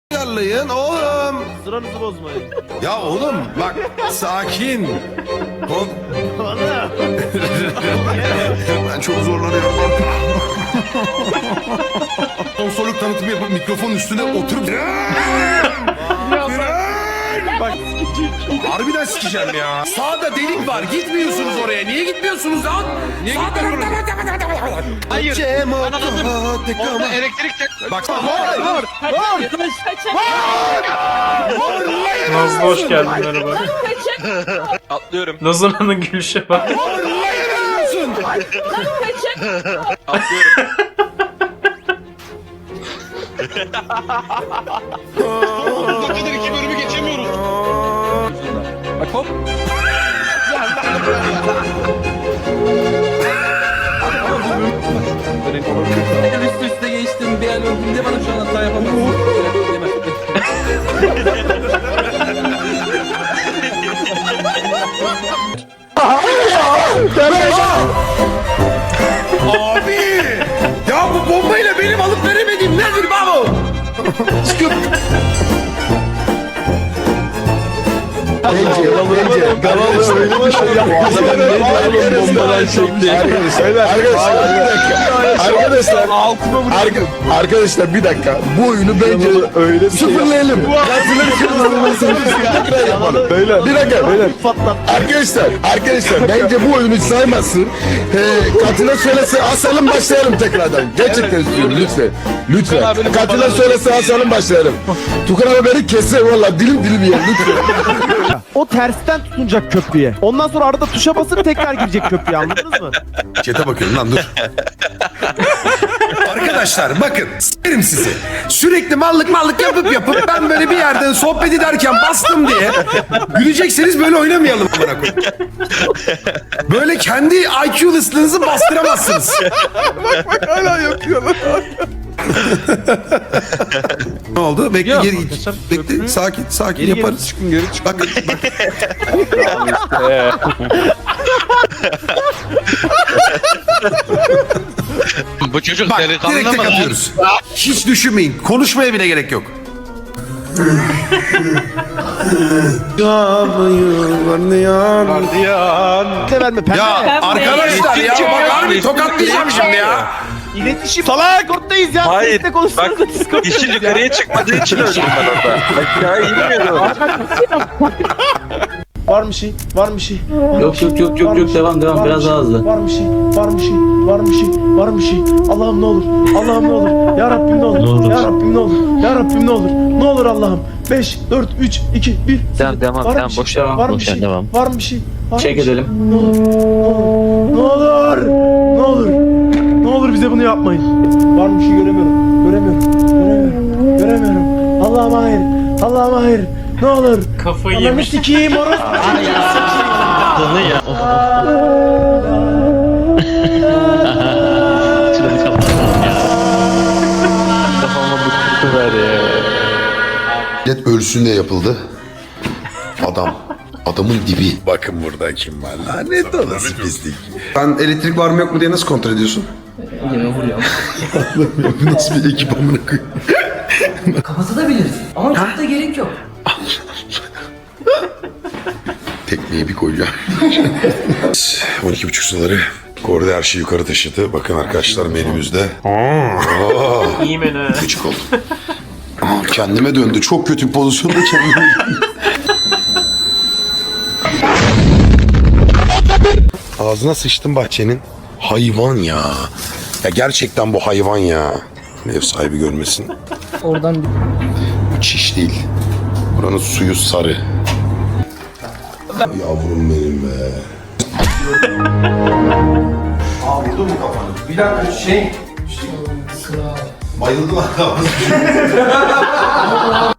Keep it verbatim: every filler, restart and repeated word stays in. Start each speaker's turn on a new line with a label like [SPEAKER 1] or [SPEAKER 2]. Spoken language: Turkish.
[SPEAKER 1] ayarlayın oğlum.
[SPEAKER 2] Sıranızı bozmayın.
[SPEAKER 1] Ya oğlum bak sakin. Kon... Ben çok zorlanıyorum artık. Konsoluk tanıtımı yapıp mikrofonun üstüne oturup... Bak harbiden sikeceğim ya. Sağda delik var. Gitmiyorsunuz oraya. Niye gitmiyorsunuz lan? Niye gitmiyorsunuz?
[SPEAKER 3] Hayır.
[SPEAKER 1] Cem
[SPEAKER 3] Ben anladım. Orada elektrik tek...
[SPEAKER 1] Bak var var var.
[SPEAKER 4] Nazlı hoş geldin merhaba.
[SPEAKER 3] Atlıyorum.
[SPEAKER 4] Nazlı'nın gülüşe bak.
[SPEAKER 3] Atlıyorum. Bu kadar iki bölümü geçemiyoruz. Bak hop.
[SPEAKER 5] Üst üste geçtim bir an öldüm de bana şu an hata yapamazsın.
[SPEAKER 1] Abi! Ya bu bombayla benim alıp veremediğim nedir baba? Çıkıp...
[SPEAKER 6] Bence, bence. Galalı öyle bir şey yapmaz. Bombalar çekti. Arkadaşlar, bir dakika. Arkadaşlar, arka- arkadaşlar bir dakika. Bu oyunu bence öyle sıfırlayalım. Tekrar yapalım. Beyler. Bir dakika, beyler. Arkadaşlar, arkadaşlar bence bu oyunu saymasın. Ee, katına söylese asalım başlayalım tekrardan. Gerçekten istiyorum lütfen. Lütfen. Katına söylese asalım başlayalım. Tukan abi beni keser valla dilim dilim yer lütfen.
[SPEAKER 2] O tersten tutunacak köprüye. Ondan sonra arada tuşa basıp tekrar girecek köprüye, anladınız mı?
[SPEAKER 1] Çete bakıyorum lan dur. Arkadaşlar bakın s**erim sizi. Sürekli mallık mallık yapıp yapıp ben böyle bir yerden sohbet ederken bastım diye gülecekseniz böyle oynamayalım amına koyayım. Böyle kendi I Q listinizi bastıramazsınız. bak bak hala yapıyorlar. Ne oldu? Bekle
[SPEAKER 4] Yok,
[SPEAKER 1] geri
[SPEAKER 4] arkadaşlar,
[SPEAKER 1] bekle
[SPEAKER 4] köprü-
[SPEAKER 1] sakin sakin
[SPEAKER 2] Geri geri
[SPEAKER 1] yaparız.
[SPEAKER 2] çıkın, geri çıkın.
[SPEAKER 1] Bak bak.
[SPEAKER 3] Bu çocuk
[SPEAKER 1] Bak
[SPEAKER 3] delikanlı
[SPEAKER 1] direkt tek
[SPEAKER 3] mı lan?
[SPEAKER 1] atıyoruz. Hiç düşünmeyin. Konuşmaya bile gerek yok.
[SPEAKER 2] Ne verme pembe.
[SPEAKER 1] Ya arkadaşlar ya bak harbi tokatlayacağım şimdi ya.
[SPEAKER 2] İletişim. Salak. Discord'dayız ya.
[SPEAKER 7] Hayır,
[SPEAKER 2] Sesle konuşsanıza
[SPEAKER 7] bak,
[SPEAKER 2] Discord'dayız
[SPEAKER 7] İşin
[SPEAKER 2] ya.
[SPEAKER 7] yukarıya çıkmadığı için öldüm ben orada. Aşağı inmiyordum.
[SPEAKER 2] Var bir şey, var bir şey.
[SPEAKER 5] Yok yok yok yok yok devam devam biraz daha hızlı.
[SPEAKER 2] Var bir şey, var bir şey, var bir şey, var bir şey. Allah'ım ne olur, Allah'ım ne olur. Ya Rabbim ne olur, ya Rabbim ne olur, ya Rabbim ne olur. Ne olur Allah'ım. beş, dört, üç, iki, bir.
[SPEAKER 5] Devam, devam,
[SPEAKER 2] Var
[SPEAKER 5] devam,
[SPEAKER 2] bir şey,
[SPEAKER 5] boş devam,
[SPEAKER 2] var
[SPEAKER 5] boş
[SPEAKER 2] bir şey,
[SPEAKER 5] devam.
[SPEAKER 2] var bir şey. Var
[SPEAKER 5] Çek
[SPEAKER 2] bir şey.
[SPEAKER 5] edelim.
[SPEAKER 2] Ne olur, ne olur, ne olur, ne olur bize bunu yapmayın. Var bir şey göremiyorum, göremiyorum, göremiyorum, göremiyorum. Allah'ım hayır, Allah'ım hayır. Ne olur.
[SPEAKER 4] Kafayı
[SPEAKER 2] Ananı
[SPEAKER 4] yemiş.
[SPEAKER 2] sikeyim orası.
[SPEAKER 1] Millet ölsün de yapıldı. Adam. Adamın dibi. Bakın burada kim var. Lanet olası pislik. Sen elektrik var mı yok mu diye nasıl kontrol ediyorsun?
[SPEAKER 5] Yine vuruyor.
[SPEAKER 1] Bu nasıl bir ekip amına koyayım?
[SPEAKER 8] Kapatabiliriz. Ama çok da gerek yok.
[SPEAKER 1] Tekmeyi bir koyacağım. on iki buçuk suları. Korda her şeyi yukarı taşıdı. Bakın arkadaşlar menümüzde. Aa,
[SPEAKER 4] İyi menü.
[SPEAKER 1] gıcık oldum. Aa, kendime döndü. Çok kötü bir pozisyonda kendime Ağzına sıçtım bahçenin. Hayvan ya. Ya gerçekten bu hayvan ya. Ev sahibi görmesin.
[SPEAKER 8] Oradan
[SPEAKER 1] Bu çiş değil. Buranın suyu sarı. Yavrum benim be. Aa vurdu mu kafanı? Bir dakika şey... Bayıldı lan kafası.